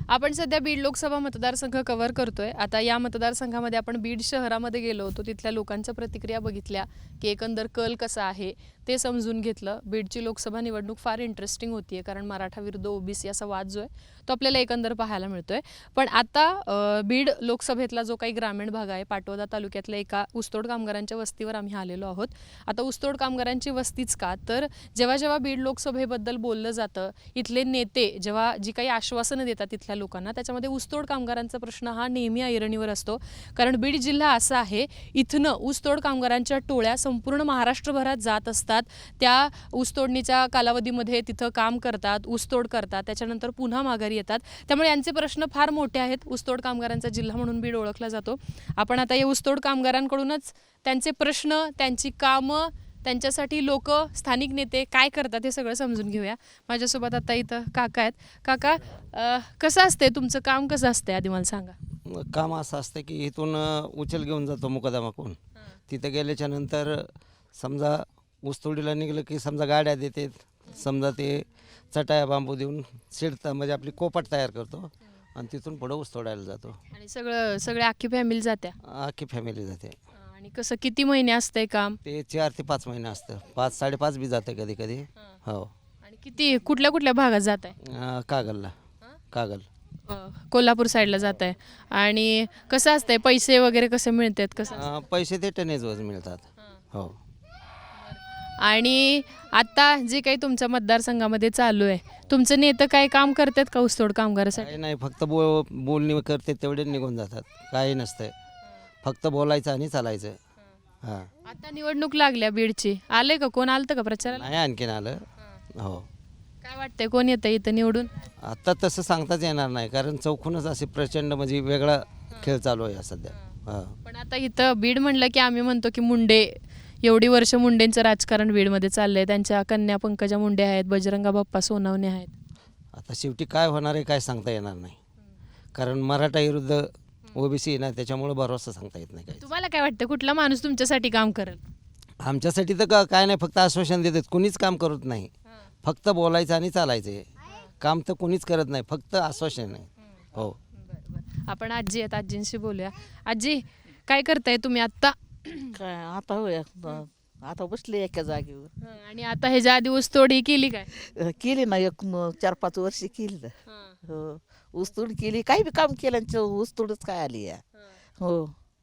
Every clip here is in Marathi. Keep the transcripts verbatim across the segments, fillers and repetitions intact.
आपण सध्या बीड लोकसभा मतदारसंघ कव्हर करतोय. आता या मतदारसंघामध्ये आपण बीड शहरामध्ये गेलो होतो, तिथल्या लोकांच्या प्रतिक्रिया बघितल्या की एकंदर कल कसा आहे ते समजून घेतलं. बीडची लोकसभा निवडणूक फार इंटरेस्टिंग होतीये, कारण मराठा विरुद्ध ओबीसी असा वाद जो आहे तो आपल्याला एकंदर पाहायला मिळतोय. पण आता अ, बीड लोकसभेतला जो काही ग्रामीण भाग आहे, पाटोदा तालुक्यातल्या एका ऊसतोड कामगारांच्या वस्तीवर आम्ही आलेलो आहोत. आता ऊसतोड कामगारांची वस्तीच का, तर जेव्हा जेव्हा बीड लोकसभेबद्दल बोललं जातं, इथले नेते जेव्हा जी काही आश्वासनं देतात तिथल्या लोकांना, त्याच्यामध्ये ऊसतोड कामगारांचा प्रश्न हा नेहमी ऐरणीवर असतो. कारण बीड जिल्हा असा आहे, इथनं ऊसतोड कामगारांच्या टोळ्या संपूर्ण महाराष्ट्रभरात जात असतात. त्या ऊसतोडणीच्या कालावधीमध्ये तिथं काम करतात, ऊसतोड करतात, त्याच्यानंतर पुन्हा माघारी येतात. त्यामुळे यांचे प्रश्न फार मोठे आहेत. ऊसतोड कामगारांचा जिल्हा म्हणून बीड ओळखला जातो. आपण आता या ऊसतोड कामगारांकडूनच त्यांचे प्रश्न, त्यांची कामं, त्यांच्यासाठी लोक, स्थानिक नेते काय करतात हे सगळं समजून घेऊया. माझ्यासोबत आता इथं काका आहेत. काका, अ, कसं असते तुमचं काम, कसं असते आधी मला सांगा. काम असं असतं की इथून उचल घेऊन जातो मुकदमाकून. तिथं गेल्याच्या नंतर समजा ऊसतोडीला निघलं की समजा गाड्या देते, समजा ते चटाया बांबू देऊन शिडता म्हणजे आपली कोपट तयार करतो आणि तिथून पुढं ऊस तोडायला जातो. आणि सगळं सगळे अख्खी फॅमिली जात्या. अख्खी फॅमिली जाते. आणि कसं किती महिने असतंय काम. ते चार ते पाच महिने असतं. पाच साडेपाच बी जातं कधी कधी. हो. आणि किती कुठल्या कुठल्या भागात जात आहे. अं, कागलला. कागल कोल्हापूर साईडला जात आहे. आणि कसं असतंय, पैसे वगैरे कसे मिळतात, कसं. अं, पैसे ते टनेजवर मिळतात. हो. आणि आता जे काही तुमच्या मतदारसंघामध्ये चालू आहे, तुमचं नेतं काय काम करतात का ऊसतोड कामगारासाठी. काही नाही, फक्त बो बोलणी करते तेवढे निघून जातात. काही नसतंय, फक्त बोलायचं आणि चालायचं. हां. आता निवडणूक लागल्या बीडची, आले का, कोण आलतं का प्रचाराला. नाही आणखीन आलं. हो. काय वाटतंय, कोण येतं इथं निवडून. आत्ता तसं सांगताच येणार नाही, कारण चौकूनच असे प्रचंड म्हणजे वेगळा खेळ चालू आहे सध्या. हां. पण आता इथं बीड म्हणलं की आम्ही म्हणतो की मुंडे, एवढी वर्ष मुंडेंचं राजकारण बीडमध्ये चाललंय. त्यांच्या कन्या पंकजा मुंडे आहेत, बजरंगा बाप्पा सोनवणे आहेत. आता शेवटी काय होणार आहे काय सांगता येणार नाही, कारण मराठा विरुद्ध ओबीसी ना, त्याच्यामुळे भरोसा सांगता येत नाही. काय तुम्हाला काय वाटतं, कुठला माणूस तुमच्यासाठी काम करेल. आमच्यासाठी तर का काय नाही, फक्त आश्वासन देतात. कुणीच काम करत नाही, फक्त बोलायचं आणि चालायचं आहे. काम तर कुणीच करत नाही, फक्त आश्वासन आहे. हो. आपण आजी आहेत, आजींशी बोलूया. आजी, काय करताय तुम्ही आत्ता. काय आता होय, आता बसले एका जागेवर. आणि आता ह्याच्या आधी ऊसतोडी केली काय. अ, केली ना, एक म- चार पाच वर्ष केली ना. हो, ऊसतोड केली, काही बी काम केलं आणि ऊसतोडच काय आली या. हो.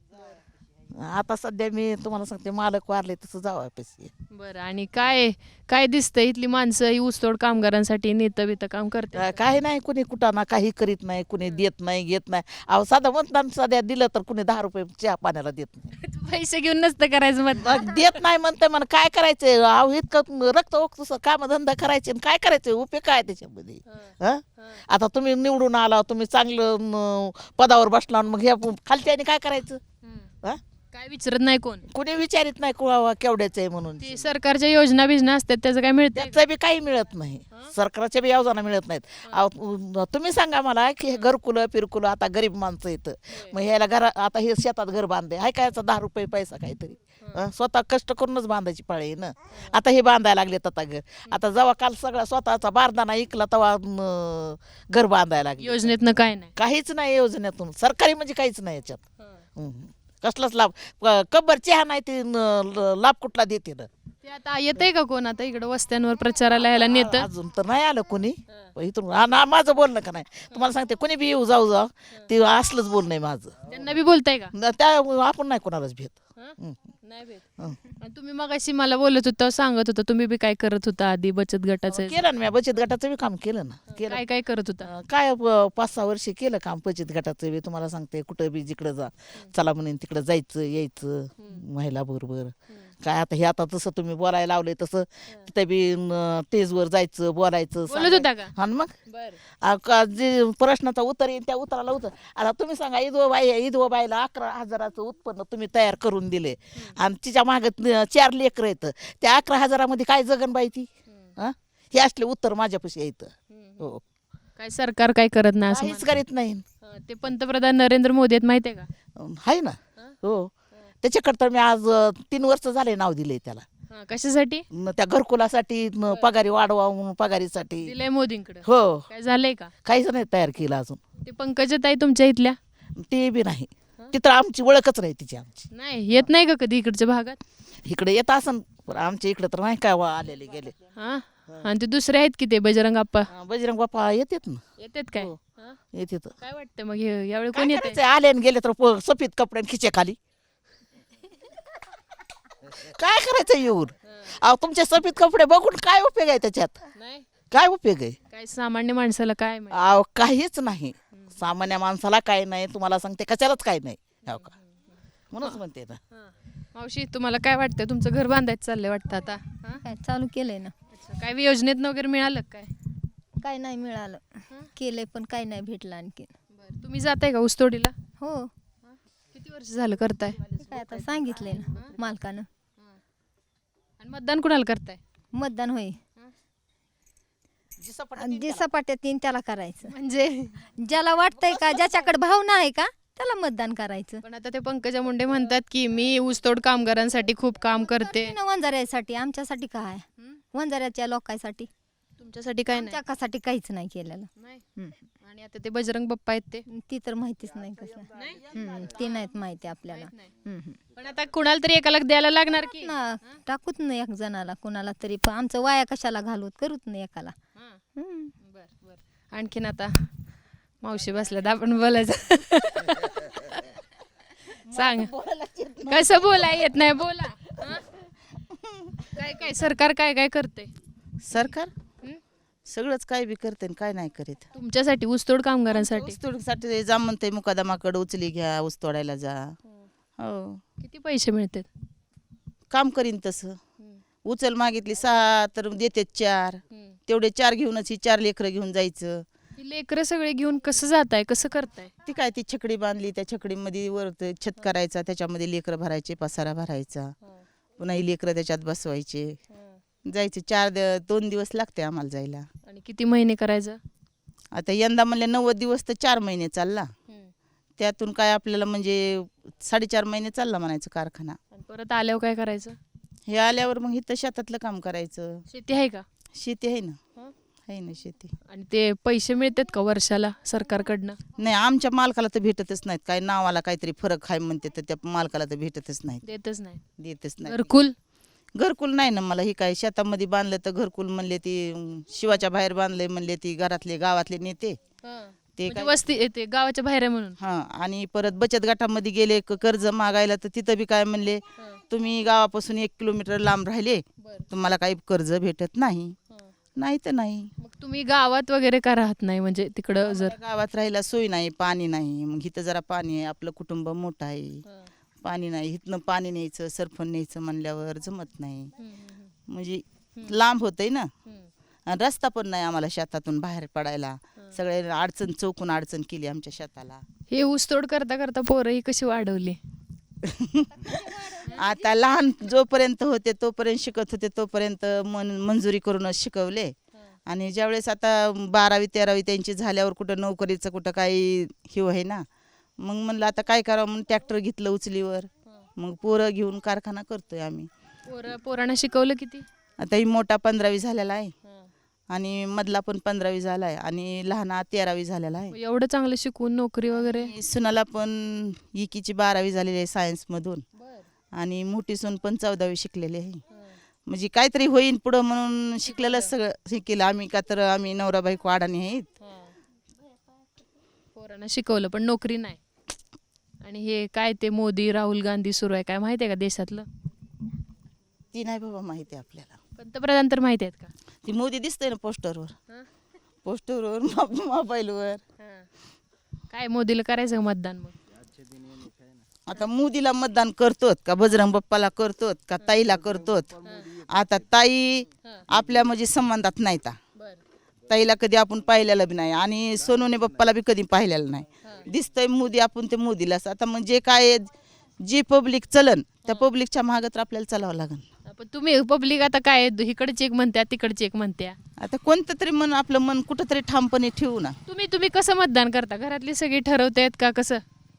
आता सध्या मी तुम्हाला सांगते, मालक वारले तसं जावा पैसे. बरं, आणि काय काय दिसतंय, इथली माणसं ही ऊसतोड कामगारांसाठी नेतं बितं काम करते. काही नाही, कुणी कुठाना काही करीत नाही, कुणी देत नाही, घेत नाही. अहो साधं मतदान सध्या दिलं तर कुणी दहा रुपये चहा पाण्याला देत नाही. पैसे घेऊन नसतं करायचं मत. मग देत नाही म्हणते, मला काय करायचंय. अहो इतकं रक्त ओकतस काम धंदा करायचे आणि काय करायचं, उपयोग काय त्याच्यामध्ये. हं? आता तुम्ही निवडून आला, तुम्ही चांगलं म, पदावर बसला, मग ह्या खालच्याने काय करायचं. हं? काय विचारत नाही कोण. कुणी विचारित नाही कुळावा केवढ्याचं आहे म्हणून. ते सरकारच्या योजना बिजना असतात, त्याचं काय मिळतं. त्याचं बी काही मिळत नाही, सरकारच्या बी योजना मिळत नाहीत. अहो, तुम्ही सांगा मला की हे घरकुलं फिरकुलं, आता गरीब माणसं येतं, मग ह्याला घरा आता हे शेतात घर बांधे, हाय काय याचा दहा रुपये पैसा काहीतरी. हं? स्वतः कष्ट करूनच बांधायची पाळी आहे ना. आता हे बांधायला लागले आता घर. आता जेव्हा काल सगळा स्वतःचा बारदाना ऐकला तेव्हा न, घर बांधायला लागले. योजनेतनं काय नाही. काहीच नाही योजनेतून, सरकारी म्हणजे काहीच नाही याच्यात. हं. कसलाच लाभ, कब्बर चहा नाही ते न- लाभ कुठला देते ना. ते आता येतंय का कोण आता इकडं वस्त्यांवर प्रचाराला यायला नेतं. अजून तर नाही आलं कोणी इथून. हा ना, माझं बोलणं का नाही तुम्हाला सांगते, कोणी बी येऊ जाऊ जाऊ, ते असलंच बोलणं आहे माझं. त्यांना बी बोलताय का. न त्या आपण नाही कोणालाच भेट. हं? नाही भेट. हं. आणि तुम्ही मगाशी मला बोलत होता, सांगत होता तुम्ही बी काय करत होता आधी बचत गटाचं. केलं ना, मी बचत गटाचं बी काम केलं ना. केलं काय काय करत होता. अं, काय प- पाच सहा वर्ष केलं काम बचत गटाचं बी. तुम्हाला सांगते, कुठं बी जिकडं जा चला म्हणून तिकडं जायचं यायचं महिला बरोबर. काय आता हे आता तसं तुम्ही बोलायला लावले तसं तिथे बी न, स्टेजवर जायचं बोलायचं. बोलत होता का. हा ना, मग बरं. आ, का जे प्रश्नाचा उत्तर येईल त्या उत्तराला उत्तर. आता तुम्ही सांगा, ईदवा बाई ईदवा बाईला अकरा हजाराचं उत्पन्न तुम्ही तयार करून दिले आणि तिच्या मागे चार लेकरं येतं, त्या अकरा हजारामध्ये काय जगन बाई ती. हा, हे असले उत्तर माझ्यापाशी येतं. हो, काय सरकार काय करत नाही असं काहीच करीत नाही. म्हणा. ते पंतप्रधान नरेंद्र मोदी आहेत माहितीये का. आहे ना. हो, त्याच्याकडे तर मी आज अ, तीन वर्ष झाले नाव दिले त्याला. हा, कशासाठी न त्या घरकुलासाठी न पगारी वाढवा म्हणून पगारीसाठी दिलंय मोदींकडे हो काय झालंय का काहीच नाही तयार केलं अजून ते पंकजाताई तुमच्या इथल्या ते बी नाही तिथं आमची ओळखच नाही तिची आमची नाही येत नाही का कधी इकडच्या भागात इकडे येत असन पण आमच्या इकडे तर नाही काय वा आलेले गेले हा आणि ते दुसरे आहेत की ते बजरंग अप्पा हा, बजरंग बाप्पा येतात ना येतात काय हो. हा? येतात काय वाटतं मग हे- यावेळी काय कोण येते करायचं, आले आणि गेले तर प- सफेद कपडे आणि खिचे खाली काय करायचं येऊन अहो तुमचे सफेद कपडे बघून काय उपयोग आहे त्याच्यात नाही काय उपयोग आहे काय सामान्य माणसाला काय माहिती? अहो काहीच नाही सामान्य माणसाला काय नाही तुम्हाला सांगते कशालाच काय नाही हो का म्हणूनच म्हणते ना हा. मावशी तुम्हाला काय वाटतं तुमचं घर बांधायचं चाललंय वाटतं आता हा? काय चालू केलंय ना अच्छा काय योजनेतनं वगैरे मिळालं का काय काय नाही मिळालं केलंय पण काय नाही भेटलं आणखी बरं तुम्ही जाताय का ऊसतोडीला हो किती वर्ष झालं करताय काय आता सांगितलंय ना मालकानं आणि मतदान कुणाला करताय मतदान होय जे सपाट्यात येईन त्याला करायचं म्हणजे ज्याला वाटतंय का ज्याच्याकडे भावना आहे का त्याला मतदान करायचं पण आता ते पंकजा मुंडे म्हणतात की मी ऊसतोड कामगारांसाठी खूप काम करते ना वंजाऱ्यासाठी आमच्यासाठी काय वंजाऱ्याच्या लोकांसाठी तुमच्यासाठी काय नाही आमच्यासाठी काहीच नाही केलेलं नाही. हम्म. आणि आता ते बजरंग बाप्पा आहेत ते ती तर माहितीच नाही कसं हम्म, ती नाहीत माहिती आपल्याला हम्म, हम्म. पण आता कुणाला तरी एकाला द्यायला लागणार की ना टाकूत ना एक जणाला कुणाला तरी पण आमचं वाया कशाला घालूत करूत ना एकाला हा. हम्म. बर बर आणखीन आता मावशी बसल्यात आपण बोलायचं सांग कसं बोला येत नाही बोला हा? काय काय सरकार काय काय करते सरकार सगळंच काय बी करते आणि काय नाही करीत तुमच्यासाठी ऊसतोड कामगारांसाठी ऊसतोडीसाठी जा म्हणते मुकादमाकडे उचली घ्या ऊस तोडायला जा हो किती पैसे मिळतात काम करीन तसं उचल मागितली सहा तर देते चार तेवढे चार घेऊनच ही चार लेकरं घेऊन जायचं लेकरं सगळे घेऊन कसं जाताय कसं करताय ती काय ती छकडी बांधली त्या छकडीमध्ये वर ते छत करायचा त्याच्यामध्ये लेकरं भरायचे पसारा भरायचा पुन्हा ही लेकरं त्याच्यात बसवायचे जायचे चार द- दोन दिवस लागते आम्हाला जायला आणि किती महिने करायचं आता यंदा म्हणले नव्वद दिवस तर चार महिने चालला त्यातून काय आपल्याला म्हणजे साडेचार महिने चालला म्हणायचं कारखाना आणि परत आल्यावर काय करायचं हे आल्यावर मग इथं शेतातलं काम करायचं शेती आहे का शेती आहे ना हं? आहे ना शेती आणि ते पैसे मिळतात का वर्षाला सरकारकडनं नाही आमच्या मालकाला तर भेटतच नाहीत काय नावाला काहीतरी फरक आहे म्हणते तर त्या मालकाला तर भेटतच नाहीत देतच नाही देतच नाही घरकुल घरकुल नाही ना मला ही काय शेतामध्ये बांधलं तर घरकुल म्हणले ती अं, शिवाच्या बाहेर बांधले म्हणले ती घरातले गावातले नेते ते म्हणजे काय वस्ती येते गावाच्या बाहेर आहे म्हणून हा आणि परत बचत गटामध्ये गेले क- कर्ज मागायला तर तिथं बी काय म्हणले तुम्ही गावापासून एक किलोमीटर लांब राहिले तुम्हाला काही कर्ज भेटत नाही नाही तर नाही मग तुम्ही गावात वगैरे का राहत नाही म्हणजे तिकडं जर आम्हाला गावात राहायला सोय नाही पाणी नाही मग इथं जरा पाणी आहे आपलं कुटुंब मोठं आहे पाणी नाही इथनं पाणी न्यायचं सरपण न्यायचं म्हणल्यावर जमत नाही म्हणजे लांब होतंय ना आणि रस्ता पण नाही आम्हाला शेतातून बाहेर पडायला सगळे अडचण चौकून अडचण केली आमच्या शेताला हे ऊसतोड करता करता पोरं ही कशी वाढवली आता लहान जोपर्यंत होते तोपर्यंत शिकत होते तोपर्यंत मन मंजुरी करूनच शिकवले आणि ज्यावेळेस आता बारावी तेरावी त्यांची झाल्यावर कुठं नोकरीचं कुठं काही हे आहे ना मग म्हणलं आता काय करावं म्हणून ट्रॅक्टर घेतलं उचलीवर मग पोरं घेऊन कारखाना करतोय आम्ही पोरं पोरांना शिकवलं किती आता ही मोठा पंधरावी झालेला आहे आणि मधला पण पंधरावी झाला आहे आणि लहाना तेरावी झालेला आहे एवढं चांगलं शिकवून नोकरी वगैरे आणि सुनाला पण इकीची बारावी झालेली आहे सायन्समधून आणि मोठी सून पण चौदावी शिकलेली आहे म्हणजे काहीतरी होईन पुढं म्हणून शिकलेलं सगळं हे केलं आम्ही का तर आम्ही नवरा बायको अडाणी आहेत पोरांना शिकवलं पण नोकरी नाही आणि हे काय ते मोदी राहुल गांधी सुरू आहे काय माहिती आहे का देशातलं ती नाही बाबा माहिती आहे आपल्याला पंतप्रधान तर माहिती आहेत का ती मोदी दिसतंय ना पोस्टरवर पोस्टरवर मोबाईलवर काय मोदीला करायचं का मतदान मग आता मोदीला मतदान करतोत का बजरंग बाप्पाला करतोत का ताईला करतोत आता ताई आपल्या म्हणजे संबंधात नाही ता ताईला कधी आपण पाहिलेलं बी नाही आणि सोनूने बाप्पाला बी कधी पाहिलेलं नाही दिसतंय मोदी आपण ते मोदीलाच आता म्हणजे काय जी पब्लिक चलन त्या पब्लिकच्या मागं तर आपल्याला चालावं लागेल पण तुम्ही पब्लिक आता काय इकडची एक म्हणत्या तिकडची एक म्हणत्या आता कोणतं तरी मन आपलं मन कुठंतरी ठामपणे ठेवू ना तुम्ही तुम्ही कसं मतदान करता घरातली सगळी ठरवतायत का कसं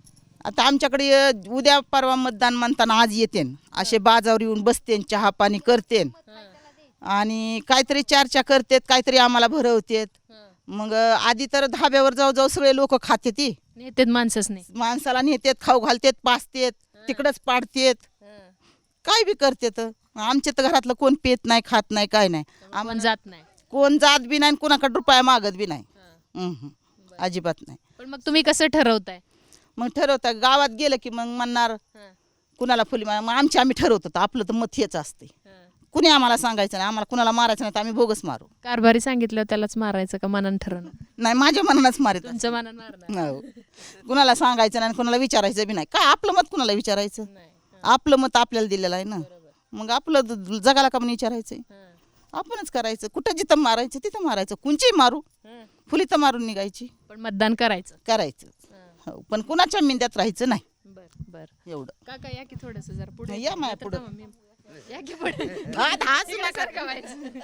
आता आमच्याकडे अ, उद्या परवा मतदान म्हणताना आज येतेन असे बाजावर येऊन बसतेन चहा पाणी करतेन आणि काहीतरी चर्चा करतेत काहीतरी आम्हाला भरवतेत मग अ, आधी तर धाब्यावर जाऊ जाऊ सगळे लोक खाते ती नेतेत माणसंच नाही. माणसाला नेतेत खाऊ घालतेत पाचतेत तिकडंच पाडतेत काय बी करतेत आमच्या तर घरातलं कोण पेत नाही खात नाही काय नाही आपण जात नाही. कोण जात बी नाही आणि कोणाकडे रुपया मागत बी नाही हम्म. अजिबात नाही. पण मग तुम्ही कसं ठरवताय? मग ठरवता गावात गेलं की मग म्हणणार कुणाला फुली मार मग आमची आम्ही ठरवतो आपलं तर मत हेच असते कुणी आम्हाला सांगायचं नाही आम्हाला कुणाला मारायचं नाही तर आम्ही बोगस मारू कारभारी सांगितलं त्यालाच मारायचं का मनानं ठरवणार? नाही माझ्या मनानंच मारित तुमचं मनानं मारणार हो. कुणाला सांगायचं नाही आणि कुणाला विचारायचं बी नाही काय आपलं मत कुणाला विचारायचं नाही. आपलं मत आपल्याला दिलेलं आहे ना मग आपलं द- जगाला का म्हणून विचारायचंय आपणच करायचं कुठं जिथं मारायचं तिथं मारायचं कुंची मारू फुली तर मारून निघायची पण मतदान करायचं. करायचं हो पण कुणाच्या मिंद्यात राहायचं नाही बर बर एवढं काका या की थोडस जरा पुढे या माझ्या पुढं. थांबा, मी- या की पुढे हा, हाच नका. सारखं व्हायचं.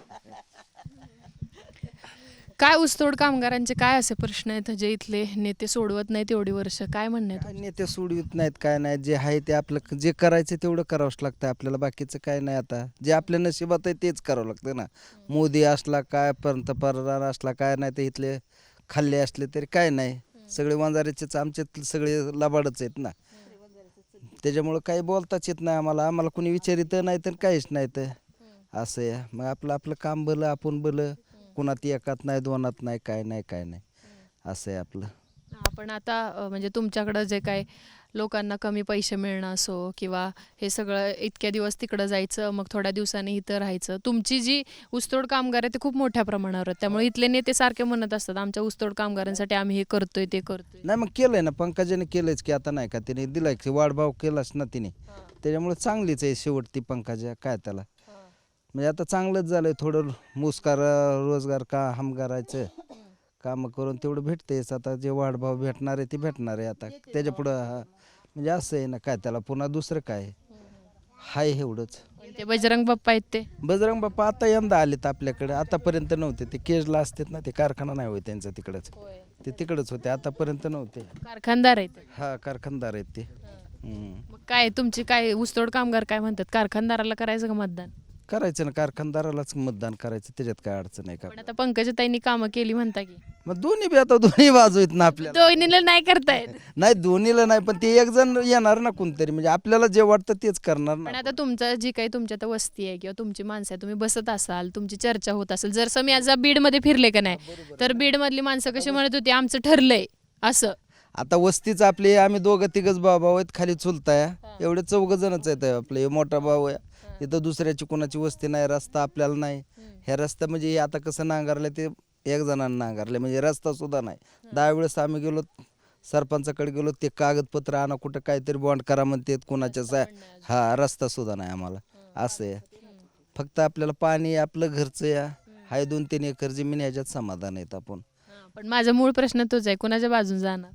काय ऊसतोड कामगारांचे काय असे प्रश्न आहेत जे इथले नेते सोडवत नाहीत एवढी वर्ष? काय म्हणणे काय नेते सोडवित नाहीत काय नाही जे आहे ते आपलं जे करायचं तेवढं करावंच लागतं आपल्याला बाकीचं काय नाही आता जे आपल्या नशिबात आहे तेच करावं लागतं ना मोदी असला काय पंतप्रधान असला काय नाही ते इथले खाल्ले असले तरी काय नाही सगळे वंजाऱ्याचेच आमचे सगळे लबाडच आहेत ना त्याच्यामुळं काही बोलताच येत नाही आम्हाला आम्हाला कोणी विचारित नाही तर काहीच नाही तर असं आहे मग आपलं आपलं काम भलं आपण भलं कुणात एकात नाही दोनात नाही काय नाही काय नाही असं आहे आपलं. आपण आता अ, म्हणजे तुमच्याकडं जे काय लोकांना कमी पैसे मिळणं असो किंवा हे सगळं इतक्या दिवस तिकडं जायचं मग थोड्या दिवसांनी इथं राहायचं तुमची जी ऊसतोड कामगार आहे ते खूप मोठ्या प्रमाणावर आहेत त्यामुळे इथले नेते सारखे म्हणत असतात आमच्या ऊसतोड कामगारांसाठी आम्ही हे करतोय ते करतोय. नाही मग केलंय ना पंकजाने केलंच की आता नाही का तिने दिलाय की वाढभाव केलाच ना तिने त्याच्यामुळे चांगलीच आहे शेवट ती पंकजा काय त्याला म्हणजे आता चांगलंच झालंय थोडं मुस्कार रोजगार का हम करायचं कामं करून तेवढं भेटतेच आता जे वाढभाव भेटणार आहे ते भेटणार आहे आता त्याच्या पुढं हा म्हणजे असं आहे ना काय त्याला पुन्हा दुसरं काय हाय एवढंच. ते बजरंग बाप्पा आहेत ते बजरंग बाप्पा आता यंदा आलेत आपल्याकडे आतापर्यंत नव्हते ते केजला असतात ना ते कारखाना नाही होय त्यांचा तिकडंच ते तिकडंच होते आतापर्यंत नव्हते. कारखानदार आहेत ते. हा कारखानदार आहेत ते हम्म. मग काय तुमची काय ऊसतोड कामगार काय म्हणतात कारखानदाराला करायचं का मतदान? करायचं ना कारखानदारालाच मतदान करायचं त्याच्यात काय अडचण आहे का पण आता पंकजाताईंनी कामं केली म्हणता की मग दोन्ही बी आता दोन्ही बाजू आहेत ना आपल्याला दोन्हीला नाही करतायत. नाही दोन्हीला नाही पण ते एक जण येणार ना कोणतरी म्हणजे आपल्याला जे वाटतं तेच करणार पण ना. आता तुमचं जी काही तुमच्या आता वस्ती आहे किंवा तुमची माणसं आहे तुम्ही बसत असाल तुमची चर्चा होत असेल जर समजा आज बीडमध्ये फिरले का नाही तर बीडमधली माणसं कशी म्हणत होती आमचं ठरलंय असं. आता वस्तीच आपली आम्ही दोघं तिघच भाऊ भाऊ आहेत खाली चुलताय एवढे चौघ जणच आहेत आपले हे मोठा भाऊ आहे इथं दुसऱ्याची कोणाची वस्ती नाही रस्ता आपल्याला नाही ह्या रस्ता म्हणजे हे आता कसं नांगरलं ते एक जणांना नांगरले म्हणजे रस्ता सुद्धा नाही दहा वेळेस आम्ही गेलो सरपंचाकडे गेलो ते कागदपत्र आणा कुठं काहीतरी बॉन्ड करा म्हणतात कोणाच्याच हा रस्ता सुद्धा नाही आम्हाला असं आहे फक्त आपल्याला पाणी आपलं घरचं या हाय दोन तीन एकर जमीन ह्याच्यात समाधान आहेत आपण. पण माझा मूळ प्रश्न तोच आहे कोणाच्या बाजून जाणार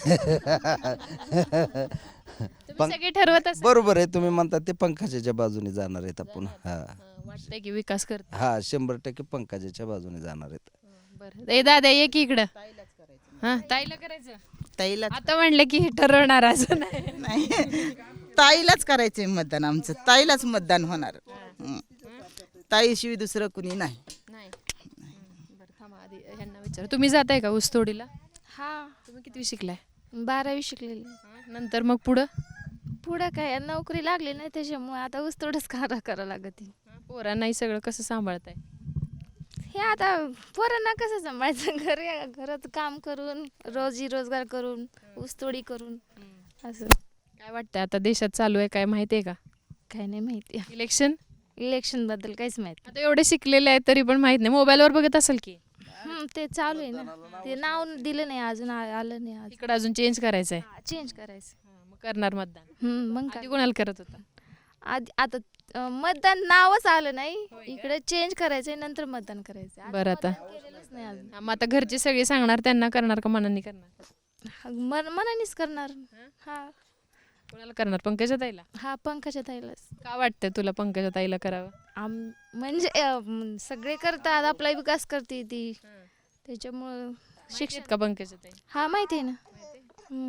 तुम्ही सगळे ठरवत असाल. बरोबर आहे तुम्ही म्हणता ते पंकजाच्या बाजूने जाणार आहेत आपण हा हां, वाटतंय की विकास करते. हा शंभर टक्के पंकजाच्या बाजूने जाणार आहेत. बरं ए दादा ये की इकडं हा ताईला करायचं ताईला आता म्हणलं की हे ठरवणार असं नाही. नाही ताईलाच करायचंय मतदान आमचं ताईलाच मतदान होणार हं. ताईशिवाय दुसरं कुणी नाही. नाही बरं थांबा आधी ह्यांना विचार तुम्ही जाताय का ऊसतोडीला? हा तुम्ही किती शिकलाय? बारावी शिकलेली नंतर मग पुढं पुढं काय नोकरी लागली नाही त्याच्यामुळे आता ऊसतोडच करा करा लागत पोरांनाही सगळं कसं सांभाळताय? हे आता पोरांना कसं सांभाळायचं घरी घरात काम करून रोजी रोजगार करून ऊसतोडी करून असं काय वाटतंय आता देशात चालू आहे काय माहिती आहे का काय नाही माहिती इलेक्शन? इलेक्शन बद्दल काहीच माहिती आता एवढे शिकलेले आहेत तरी पण माहित नाही मोबाईलवर बघत असेल की हम्म, ते चालू आहे ना ते नाव दिलं नाही अजून आ- आलं नाही आज इकडं अजून चेंज करायचं आहे चेंज करायचं मग करणार मतदान हम्म, मग आधी काय कोणाला करत होता? आधी आता अं, मतदान नावच आलं नाही इकडे चेंज करायचंय नंतर मतदान करायचं आज बरं आता मतदान केलेलंच नाही अजून हा, मग आता घरचे सगळे सांगणार त्यांना करणार का मनाने करणार? हा, मन मनानेच करणार हा कोणाला करणार? पंकजा ताईला? हा पंकजा ताईलाच का वाटतंय तुला पंकजा ताईला करावं? आम म्हणजे अं, सगळे करतात आपला विकास करते ती त्याच्यामुळं शिक्षित शिक्षण का पंकजा ताई? हा माहिती आहे ना हम्म.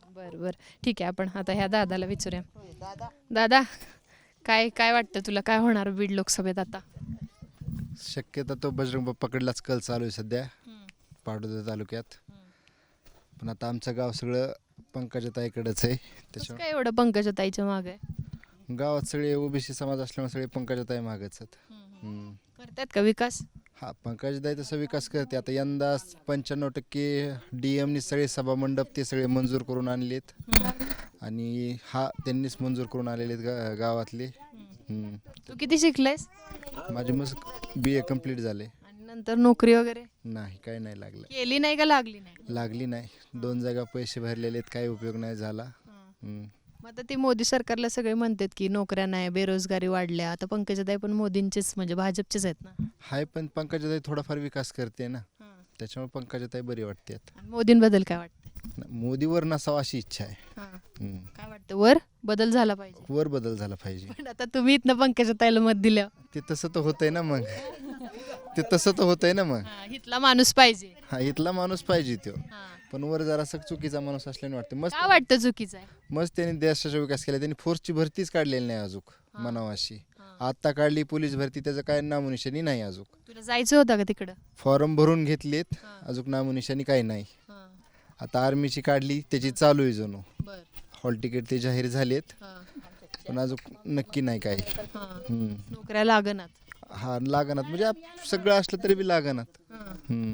बरं बरं ठीक आहे, आपण आता ह्या दादाला विचारूया. दादा, काय काय वाटतं तुला, काय होणार बीड लोकसभेत आता? शक्यता तो बजरंग बाप्पाकडलाच कल चालू आहे सध्या पाटोदा तालुक्यात. पण आता आमचं गाव सगळं पंकजाताईकडेच आहे. कसं त्याच्यामुळे काय एवढं पंकजाताईच्या मागे आहे? गावात सगळे ओबीसी समाज असल्यामुळे सगळे पंकजाताई मागच आहेत. हम्म. करतात का विकास? हा, पंकजाताई तसा विकास करते. आता यंदा पंच्याण्णव टक्के डी एमनी सगळे सभामंडप ते सगळे मंजूर करून आणलेत आणि हा त्यांनीच मंजूर करून आलेले आहेत गा गावातले. हम्म. तू किती शिकलायस माझे मग बी ए कम्प्लीट झाले. आणि नंतर नोकरी वगैरे नाही, काही नाही लागलं. केली नाही का लागली नाही? लागली नाही. दोन जागा पैसे भरलेले आहेत, काही उपयोग नाही झाला. हम्म. मग आता ते मोदी सरकारला सगळे म्हणतात की नोकऱ्या नाही, बेरोजगारी वाढल्या. आता पंकजाताई पण मोदींचेच म्हणजे भाजपचेच आहेत ना. हाय, पण पंकजाताई थोडाफार विकास करते ना, त्याच्यामुळे पंकजाताई बरी वाटते. आणि मोदींबद्दल काय वाटतं? मोदीवर नसावा अशी इच्छा आहे. हां. हम्म. काय वाटतं, वर बदल झाला पाहिजे? वर बदल झाला पाहिजे. पण आता तुम्ही इथनं पंकजाताईला मत दिलं, ते तसं तर होतंय ना मग. ते तसं तर होतंय ना मग. इथला माणूस पाहिजे. हा, इथला माणूस पाहिजे तो. हां. पण वर जरासा चुकीचा माणूस असल्याने वाटतं. मस्त का वाटतं चुकीचं आहे? मस्त त्यांनी देशाचा विकास केला. त्यांनी फोर्सची भरतीच काढलेली नाही अजून म्हणावाशी. आता काढली पोलीस भरती, त्याचं काय नामोनिशाणी नाही अजून. तुला जायचं होतं का तिकडं? फॉर्म भरून घेतलेत, अजून नामोनिशाणी काही नाही. आता आर्मीची काढली, त्याची चालू आहे जणू. बर. हॉल तिकीट ते जाहीर झालेत, पण अजून नक्की नाही काही. हम्म. नोकऱ्या लागणार. हा, लागणार म्हणजे आप- सगळं असलं तरी बी लागणार. हम्म.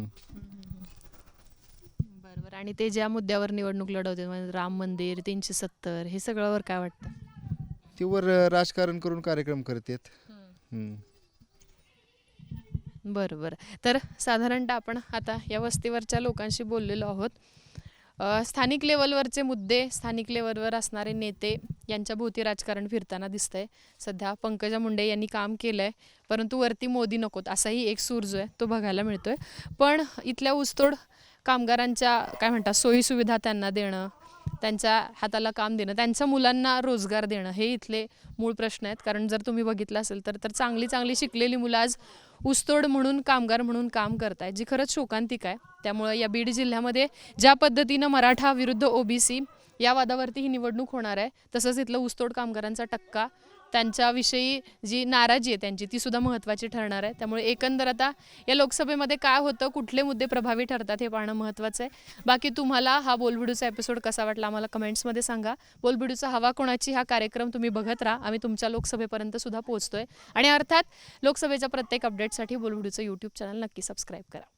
बरोबर. आणि ते ज्या मुद्द्यावर निवडणूक लढवते म्हणजे राम मंदिर, तीनशे सत्तर, हे सगळ्यावर काय वाटतं? ते वर राजकारण करून कार्यक्रम करतात. हम्म. बरं बरं. तर साधारणतः आपण आता या वस्तीवरच्या लोकांशी बोललेलो आहोत. अ, स्थानिक लेवलवरचे मुद्दे, स्थानिक लेवलवर असणारे नेते यांच्या भोवती राजकारण फिरताना दिसतंय. सध्या पंकजा मुंडे यांनी काम केलं आहे, परंतु वरती मोदी नकोत असाही एक सूर जो आहे तो बघायला मिळतोय. पण इथल्या ऊसतोड कामगारांच्या काय म्हणतात सोयीसुविधा त्यांना देणं, त्यांच्या हाताला काम देणं, त्यांच्या मुलांना रोजगार देणं, हे इथले मूळ प्रश्न आहेत. कारण जर तुम्ही बघितलं असेल तर तर चांगली चांगली शिकलेली मुलं आज ऊसतोड म्हणून, कामगार म्हणून काम करत आहेत, जी खरंच शोकांतिक आहे. त्यामुळं या बीड जिल्ह्यामध्ये ज्या पद्धतीनं मराठा विरुद्ध ओबीसी या वादावरती ही निवडणूक होणार आहे, तसंच इथलं ऊसतोड कामगारांचा टक्का, त्यांच्याविषयी जी नाराजी आहे त्यांची, ती सुद्धा महत्त्वाची ठरणार आहे. त्यामुळे एकंदर आता या लोकसभेमध्ये काय होतं, कुठले मुद्दे प्रभावी ठरतात हे पाहणं महत्त्वाचं आहे. बाकी तुम्हाला हा बोलबिडूचा एपिसोड कसा वाटला आम्हाला कमेंट्समध्ये सांगा. बोलबिडूचा हवा कोणाची हा कार्यक्रम तुम्ही बघत राहा, आम्ही तुमच्या लोकसभेपर्यंत सुद्धा पोहोचतोय. आणि अर्थात लोकसभेच्या प्रत्येक अपडेटसाठी बोलबिडूचं यूट्यूब चॅनल नक्की सबस्क्राईब करा.